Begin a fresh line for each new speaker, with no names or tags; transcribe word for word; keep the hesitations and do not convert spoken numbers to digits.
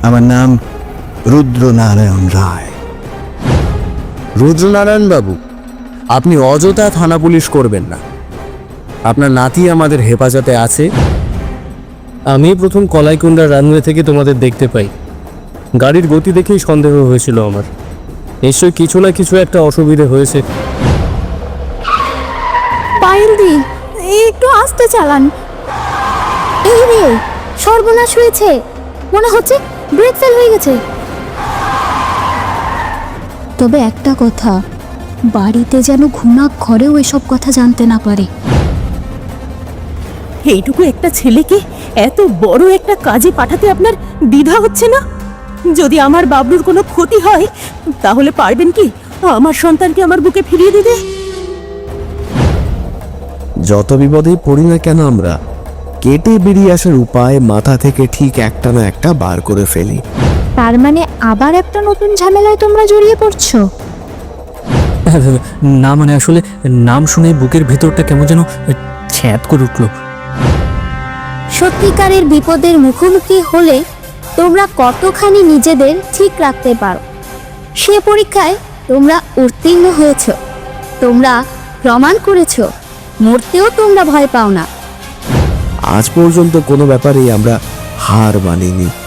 আমার নাম রুদ্রনারায়ণ রায়।
রুদ্রনারায়ণ বাবু, আপনি অযথা থানা পুলিশ করবেন না। আপনার নাতি আমাদের হেফাজতে আছে। আমি প্রথম কলাইকুণ্ডার রানওয়ে থেকে তোমাদের দেখতে পাই। গাড়ির গতি দেখেই সন্দেহ হয়েছিল আমার। নিশ্চয়ই কিছু না কিছু একটা অসুবিধে হয়েছে।
পায়েল দি, একটু আস্তে চালান। এই রে, সর্বনাশ হয়েছে, মনে হচ্ছে ব্রেক ফেল হয়ে গেছে। তবে একটা কথা, বাড়িতে যেন ঘুণা ঘরেও এসব কথা জানতে না পারে।
এইটুকু একটা ছেলেকে এত বড় একটা কাজে পাঠাতে আপনার দ্বিধা হচ্ছে না? যদি আমার বাবলুর কোনো ক্ষতি হয় তাহলে পারবেন কি আমার সন্তানকে আমার বুকে ফিরিয়ে দিতে?
যত বিপদেই পড়ি না কেন, আমরা কেটে বেরিয়ে আসার উপায় মাথা থেকে ঠিক একটা না একটা বার করে ফেলি।
তার মানে আবার একটা নতুন ঝামেলায় তোমরা জড়িয়ে পড়ছো?
না মানে আসলে নাম শুনে বুকের ভেতরটা কেমন যেন ছ্যাঁত করে উঠল।
সত্যিকারের বিপদের মুখোমুখি হলে তোমরা কতখানি নিজেদের ঠিক রাখতে পারো সে পরীক্ষায় তোমরা উত্তীর্ণ হয়েছ। তোমরা প্রমাণ করেছ মরতেও তোমরা ভয় পাও না।
আজ পর্যন্ত কোনো ব্যাপারেই আমরা হার মানিনি।